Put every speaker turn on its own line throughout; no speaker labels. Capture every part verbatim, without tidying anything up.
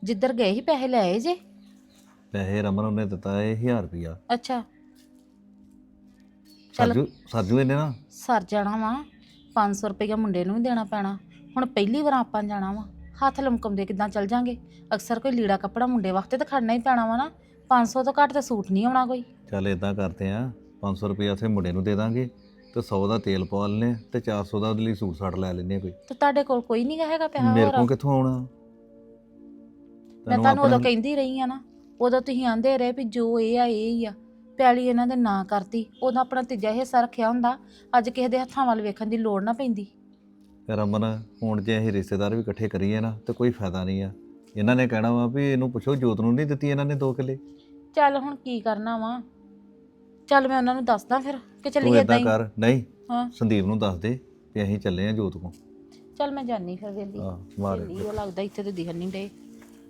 ਜਿੱਧਰ ਗਏ ਸੀ ਪੈਸੇ ਲੈ ਆਏ ਜੇ?
ਪੈਸੇ ਰਮਨ ਉਹਨੇ ਦਿੱਤਾ ਇਹ ਹਜ਼ਾਰ ਰੁਪਿਆ।
ਅੱਛਾ ਚੱਲ
ਸਰਜੂ ਸਰਜੂ ਇਹਨੇ ਨਾ
ਸਰ ਜਾਣਾ ਵਾ। ਪੰਜ ਸੌ ਰੁਪਈਆ ਮੁੰਡੇ ਨੂੰ ਵੀ ਦੇਣਾ ਪੈਣਾ। ਹੁਣ ਪਹਿਲੀ ਵਾਰ ਆਪਾਂ ਜਾਣਾ ਵਾ, ਹੱਥ ਲਮਕਮਦੇ ਕਿੱਦਾਂ ਚੱਲ ਜਾਂਗੇ? ਅਕਸਰ ਕੋਈ ਲੀੜਾ ਕੱਪੜਾ ਮੁੰਡੇ ਵਾਸਤੇ ਤਾਂ ਖੜਨਾ ਹੀ ਪੈਣਾ ਵਾ ਨਾ। ਪੰਜ ਸੌ ਤੋਂ ਘੱਟ ਤਾਂ ਸੂਟ ਨਹੀਂ ਆਉਣਾ ਕੋਈ।
ਚੱਲ ਇਦਾਂ ਕਰਦੇ ਆ, ਪੰਜ ਸੌ ਰੁਪਿਆ ਉੱਥੇ ਮੁੰਡੇ ਨੂੰ ਦੇ ਦਾਂਗੇ ਤੇ ਸੌ ਦਾ ਤੇਲ ਪਵਾ ਲੈਨੇ ਤੇ ਚਾਰ ਸੌ ਦਾ ਉਹਦੇ ਲਈ ਸੂਟ ਸਾਟ ਲੈ ਲੈਨੇ ਕੋਈ।
ਤੇ ਤੁਹਾਡੇ ਕੋਲ ਕੋਈ ਨਹੀਂ ਹੈਗਾ ਪੈਸਾ
ਮੇਰੇ
ਹੋਰ?
ਕੋਲ ਕਿੱਥੋਂ ਆਉਣਾ?
ਮੈਂ ਤੁਹਾਨੂੰ ਉਦੋਂ ਕਹਿੰਦੀ ਰਹੀ ਆ ਨਾ, ਉਦੋਂ ਤੁਸੀਂ ਆਂਦੇ ਰਹੇ ਵੀ ਜੋ ਇਹ ਆ ਇਹ ਹੀ ਆ। ਪੈਲੀ ਇਹਨਾਂ ਦੇ ਨਾਂ ਕਰਤੀ, ਉਦੋਂ ਆਪਣਾ ਤੀਜਾ ਹਿੱਸਾ ਰੱਖਿਆ ਹੁੰਦਾ, ਅੱਜ ਕਿਸੇ ਦੇ ਹੱਥਾਂ ਵੱਲ ਵੇਖਣ ਦੀ ਲੋੜ ਨਾ ਪੈਂਦੀ।
ਰਮਨ ਹੁਣ ਜੇ ਅਸੀਂ ਰਿਸ਼ਤੇਦਾਰ ਵੀ ਇਕੱਠੇ ਕਰੀਏ ਨਾ ਤੇ ਕੋਈ ਫਾਇਦਾ ਨਹੀਂ ਆ। ਇਹਨਾਂ ਨੇ ਕਹਿਣਾ ਵਾ ਵੀ ਇਹਨੂੰ ਪੁੱਛੋ ਜੋਤ ਨੂੰ ਨਹੀਂ ਦਿੱਤੀ ਇਹਨਾਂ ਨੇ ਦੋ ਕਿੱਲੇ।
ਚੱਲ ਹੁਣ ਕੀ ਕਰਨਾ ਵਾ? ਚੱਲ ਮੈਂ ਉਹਨਾਂ ਨੂੰ ਦੱਸਦਾ ਫਿਰ ਕਿ
ਤੂੰ
ਚੱਲੀਏ ਏਦਾਂ
ਏਦਾਂ
ਹੀ।
ਕਰ, ਨਹੀਂ
ਹਾਂ
ਸੰਦੀਪ ਨੂੰ ਦੱਸ ਦੇ ਵੀ ਅਸੀਂ ਚੱਲੇ ਆ ਜੋਤ ਕੋਲ।
ਚੱਲ ਮੈਂ ਜਾਨੀ ਫਿਰ ਵੇਲੀ।
ਹਾਂ ਮਾਰ
ਵੇਲੀ ਉਹ ਲੱਗਦਾ ਇੱਥੇ ਤੇ ਦਿਖਣ ਨਹੀਂ ਡੇ।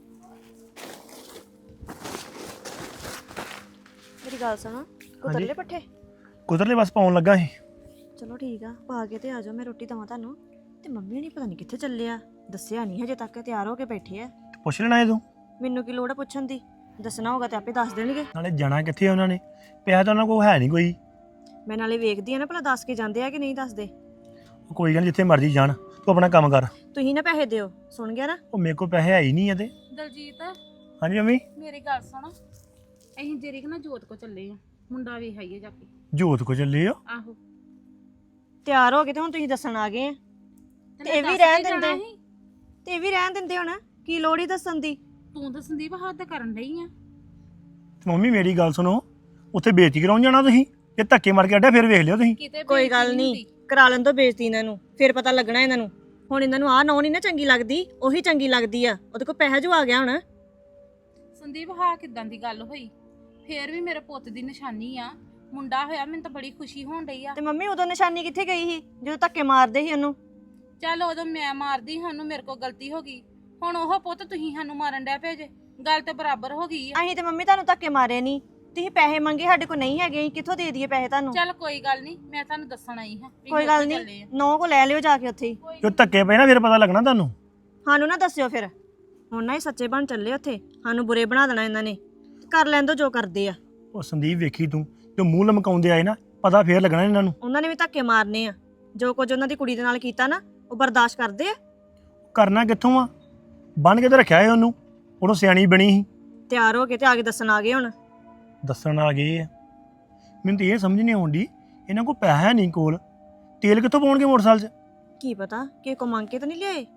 ਮੇਰੀ ਗੱਲ ਸੁਣੋ, ਕੁਤਰਲੇ ਪੱਠੇ
ਕੁਦਰਲੇ ਬਸ ਪਾਉਣ ਲੱਗਾ ਸੀ।
ਚਲੋ ਠੀਕ ਆ, ਪਾ ਕੇ ਤੇ ਆ ਜਾਓ, ਮੈਂ ਰੋਟੀ ਦਵਾਂ ਤੁਹਾਨੂੰ। ਤੇ ਮੰਮੀ ਨਹੀਂ ਪਤਾ ਨਹੀਂ ਕਿੱਥੇ ਚੱਲੇ ਆ, ਦੱਸਿਆ ਨਹੀਂ ਹਜੇ ਤੱਕ, ਤਿਆਰ ਹੋ ਕੇ ਬੈਠੇ ਆ।
ਪੁੱਛ ਲੈਣਾ ਇਹ ਤੂੰ,
ਮੈਨੂੰ ਕੀ ਲੋੜ ਆ ਪੁੱਛਣ ਦੀ? ਦੱਸਣਾ ਹੋਗਾ ਤੇ ਆਪੇ ਦੱਸ ਦੇਣਗੇ।
ਨਾਲੇ ਜਾਣਾ ਕਿੱਥੇ ਆ ਉਹਨਾਂ ਨੇ? ਪਿਆ ਤਾਂ ਉਹਨਾਂ ਕੋਲ ਹੈ ਨਹੀਂ ਕੋਈ।
ਮੈਂ ਨਾਲੇ ਵੇਖਦੀ ਆ ਨਾ ਭਲਾ ਦੱਸ ਕੇ ਜਾਂਦੇ ਆ ਕਿ ਨਹੀਂ ਦੱਸਦੇ।
ਉਹ ਕੋਈ ਗੱਲ ਨੀ, ਜਿੱਥੇ ਮਰਜ਼ੀ ਜਾਣ, ਤੂੰ ਆਪਣਾ ਕੰਮ ਕਰ।
ਤੁਸੀਂ ਨਾ ਪੈਸੇ ਦਿਓ, ਸੁਣ ਗਿਆ ਨਾ?
ਉਹ ਮੇਰੇ ਕੋਲ ਪੈਸੇ ਹੈ ਹੀ ਨਹੀਂ ਇਹਦੇ।
ਦਲਜੀਤ
ਹਾਂਜੀ ਮੰਮੀ।
ਮੇਰੀ ਗੱਲ ਸੁਣ, ਅਸੀਂ ਜਰੀਕ ਨਾ ਜੋਤ ਕੋ ਚੱਲੇ ਆ, ਮੁੰਡਾ ਵੀ ਹਾਈਏ ਜਾ ਕੇ।
ਜੋਤ ਕੋ ਚੱਲੇ ਹੋ?
ਆਹੋ
ਤਿਆਰ ਹੋ ਗਏ ਤੇ ਹੁਣ ਤੁਸੀਂ ਦੱਸਣ ਆ ਗਏ ਆ। ਤੇ ਇਹ ਵੀ
ਦੱਸ
ਰਹਿਣ
ਕੇ ਜਾਣਾ
ਦਿੰਦੇ
ਸੀ।
ਤੇ ਇਹ ਵੀ ਰਹਿਣ ਦਿੰਦੇ ਹੁਣ, ਕੀ ਲੋੜ ਹੀ ਦੱਸਣ ਦੀ?
ਤੂੰ ਤਾਂ ਸੰਦੀਪ ਹੱਦ ਕਰਨ ਡਈ ਆ।
ਤੇ ਮੰਮੀ ਮੇਰੀ ਗੱਲ ਸੁਣੋ, ਉੱਥੇ ਬੇਇੱਜ਼ਤੀ ਕਰਾਉਣ ਜਾਣਾ ਤੁਸੀਂ? ਇਹ ਧੱਕੇ ਮਾਰ ਕੇ ਅੱਡਾ ਫਿਰ ਵੇਖ ਲਿਓ ਤੁਸੀਂ।
ਕਿਤੇ
ਕੋਈ ਗੱਲ ਨਹੀਂ, ਕਰਾ ਲੈਣ ਤੋਂ ਬੇਇੱਜ਼ਤੀ ਇਹਨਾਂ ਨੂੰ, ਫਿਰ ਪਤਾ ਲੱਗਣਾ ਇਹਨਾਂ ਨੂੰ। ਹੁਣ ਇਹਨਾਂ ਨੂੰ ਆਹ ਨੌ ਨਹੀਂ ਨਾ ਚੰਗੀ ਲੱਗਦੀ, ਉਹੀ ਚੰਗੀ ਲੱਗਦੀ ਆ। ਉਹਦੇ ਕੋਲ ਪੈਸਾ ਜੋ ਆ ਗਿਆ ਹੁਣ।
ਸੰਦੀਪ ਹਾਂ ਕਿਦਾਂ ਦੀ ਗੱਲ ਹੋਈ? ਫੇਰ ਵੀ ਮੇਰੇ ਪੁੱਤ ਦੀ ਨਿਸ਼ਾਨੀ ਆ, ਮੁੰਡਾ ਹੋਇਆ, ਮੈਨੂੰ ਤਾਂ ਬੜੀ ਖੁਸ਼ੀ ਹੋਣ ਡਈ ਆ।
ਤੇ ਮੰਮੀ ਉਦੋਂ ਨਿਸ਼ਾਨੀ ਕਿੱਥੇ ਗਈ ਸੀ ਜਦੋਂ ਧੱਕੇ ਮਾਰਦੇ ਸੀ ਉਹਨੂੰ?
ਚੱਲ ਉਦੋਂ ਮੈਂ ਮਾਰਦੀ, ਸਾਨੂੰ ਮੇਰੇ ਕੋਲ ਗਲਤੀ ਹੋ ਗਈ। ਹੁਣ ਉਹ ਪੁੱਤ ਤੁਸੀਂ ਸਾਨੂੰ ਮਾਰਨ ਡੈ ਪਏ ਜੇ, ਗੱਲ ਤੇ ਬਰਾਬਰ ਹੋ ਗਈ ਆ।
ਅਸੀਂ ਤੇ ਮੰਮੀ ਤੁਹਾਨੂੰ ਧੱਕੇ ਮਾਰੇ ਨਹੀਂ, ਤੁਸੀਂ ਪੈਸੇ ਮੰਗੇ, ਸਾਡੇ ਕੋਲ ਨਹੀਂ ਹੈਗੇ, ਅਸੀਂ ਕਿੱਥੋਂ ਦੇ ਦਈਏ ਪੈਸੇ ਤੁਹਾਨੂੰ?
ਚੱਲ ਕੋਈ ਗੱਲ ਨਹੀਂ, ਮੈਂ ਤੁਹਾਨੂੰ ਦੱਸਣ ਆਈ ਹਾਂ ਵੀ
ਕੋਈ
ਅਸੀਂ
ਗੱਲ
ਉੱਥੇ
ਨਹੀਂ,
ਚੱਲੇ ਆ।
ਨੌ ਕੋ ਲੈ ਲਿਓ ਜਾ ਕੇ ਉੱਥੇ ਹੀ।
ਜੋ ਧੱਕੇ ਪਏ ਨਾ ਫਿਰ ਪਤਾ ਲੱਗਣਾ ਤੁਹਾਨੂੰ।
ਸਾਨੂੰ ਨਾ ਦੱਸਿਓ ਫਿਰ, ਹੁਣ ਨਾ ਇਹ ਸੱਚੇ ਬਣ ਚੱਲੇ ਉੱਥੇ, ਸਾਨੂੰ ਬੁਰੇ ਬਣਾ ਦੇਣਾ ਇਹਨਾਂ ਨੇ। ਕਰ ਲੈਣ ਦੋ ਜੋ ਕਰਦੇ ਆ।
ਉਹ ਸੰਦੀਪ ਵੇਖੀ ਤੂੰ, ਜੋ ਮੂੰਹ ਲਮਕਾਉਂਦੇ ਆਏ ਨਾ, ਪਤਾ ਫੇਰ ਲੱਗਣਾ ਇਹਨਾਂ ਨੂੰ।
ਉਹਨਾਂ ਨੇ ਵੀ ਧੱਕੇ ਮਾਰਨੇ ਆ, ਜੋ ਕੁਝ ਉਹਨਾਂ ਦੀ ਕੁੜੀ ਦੇ ਨਾਲ ਕੀਤਾ ਨਾ, ਉਹ ਬਰਦਾਸ਼ਤ ਕਰਦੇ ਆ?
ਕਰਨਾ ਕਿੱਥੋਂ ਆ? ਬੰਨ ਕੇ ਤੇ ਰੱਖਿਆ ਏ ਉਹਨੂੰ, ਉਹਨੂੰ ਸਿਆਣੀ ਬਣੀ ਸੀ।
ਤਿਆਰ ਹੋ ਕੇ ਤੇ ਆ ਕੇ ਦੱਸਣ ਆ ਗਏ ਹੁਣ।
ਦੱਸਣ ਆ ਗਏ ਆ। ਮੈਨੂੰ ਤਾਂ ਇਹ ਸਮਝ ਨਹੀਂ ਆਉਂਦੀ, ਇਹਨਾਂ ਕੋਲ ਪੈਸਾ ਨਹੀਂ ਕੋਲ, ਤੇਲ ਕਿੱਥੋਂ ਪਾਉਣਗੇ ਮੋਟਰਸਾਈਕਲ 'ਚ?
ਕੀ ਪਤਾ ਕਿ ਕੋ ਮੰਗ ਕੇ ਤਾਂ ਨਹੀਂ ਲਿਆਏ।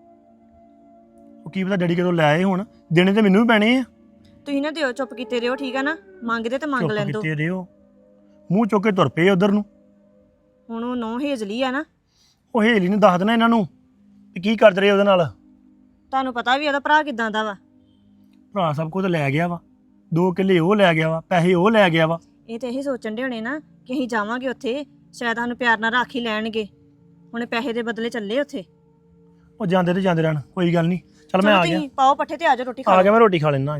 ਉਹ ਕੀ ਪਤਾ ਡੈਡੀ ਕਦੋਂ ਲੈ ਆਏ ਹੁਣ, ਦੇਣੇ ਤੇ ਮੈਨੂੰ ਵੀ ਪੈਣੇ ਆ।
ਤੁਸੀਂ ਨਾ ਦਿਓ, ਚੁੱਪ ਕੀਤੇ ਰਹੋ, ਠੀਕ ਆ ਨਾ? ਮੰਗਦੇ ਤੇ ਮੰਗ
ਚੁੱਪ
ਲੈਣ ਦੋ।
ਕੀਤੇ ਰਿਓ, ਮੂੰਹ ਚੁੱਕ ਕੇ ਤੁਰ ਪਏ ਉਧਰ ਨੂੰ।
ਹੁਣ ਉਹ ਨੌ ਹੇਜਲੀ ਆ ਨਾ,
ਉਹ ਹੇਲੀ ਨੇ ਦੱਸ ਦੇਣਾ ਇਹਨਾਂ ਨੂੰ ਵੀ ਕੀ ਕਰਦੇ ਰਹੇ ਉਹਦੇ ਨਾਲ।
ਤੁਹਾਨੂੰ ਪਤਾ ਵੀ ਉਹਦਾ ਭਰਾ ਕਿਦਾਂ ਦਾ ਵਾ।
ਭਰਾ ਸਭ ਕੁਝ ਲੈ ਗਿਆ ਵਾ, ਦੋ ਕਿੱਲੇ ਉਹ ਲੈ ਗਿਆ ਵਾ, ਪੈਸੇ ਉਹ ਲੈ ਗਿਆ ਵਾ।
ਇਹ ਤੇ ਇਹੀ ਸੋਚਣ ਦੇ ਹੋਣੇ ਨਾ ਕਿ ਅਸੀਂ ਜਾਵਾਂਗੇ ਉੱਥੇ, ਸ਼ਾਇਦ ਸਾਨੂੰ ਪਿਆਰ ਨਾਲ ਰੱਖ ਹੀ ਲੈਣਗੇ। ਹੁਣ ਪੈਸੇ ਦੇ ਬਦਲੇ ਚੱਲੇ ਉੱਥੇ।
ਉਹ ਜਾਂਦੇ ਤੇ ਜਾਂਦੇ ਰਹਿਣ, ਕੋਈ ਗੱਲ ਨਹੀਂ। ਚੱਲ ਮੈਂ
ਚਲੋ
ਆ ਗਿਆ,
ਤੁਸੀਂ ਪਾਓ ਪੱਠੇ ਤੇ ਆ ਜਾਓ, ਰੋਟੀ ਖਾ
ਆ
ਲਓ।
ਗਿਆ ਮੈਂ ਰੋਟੀ ਖਾ ਲੈਣਾ।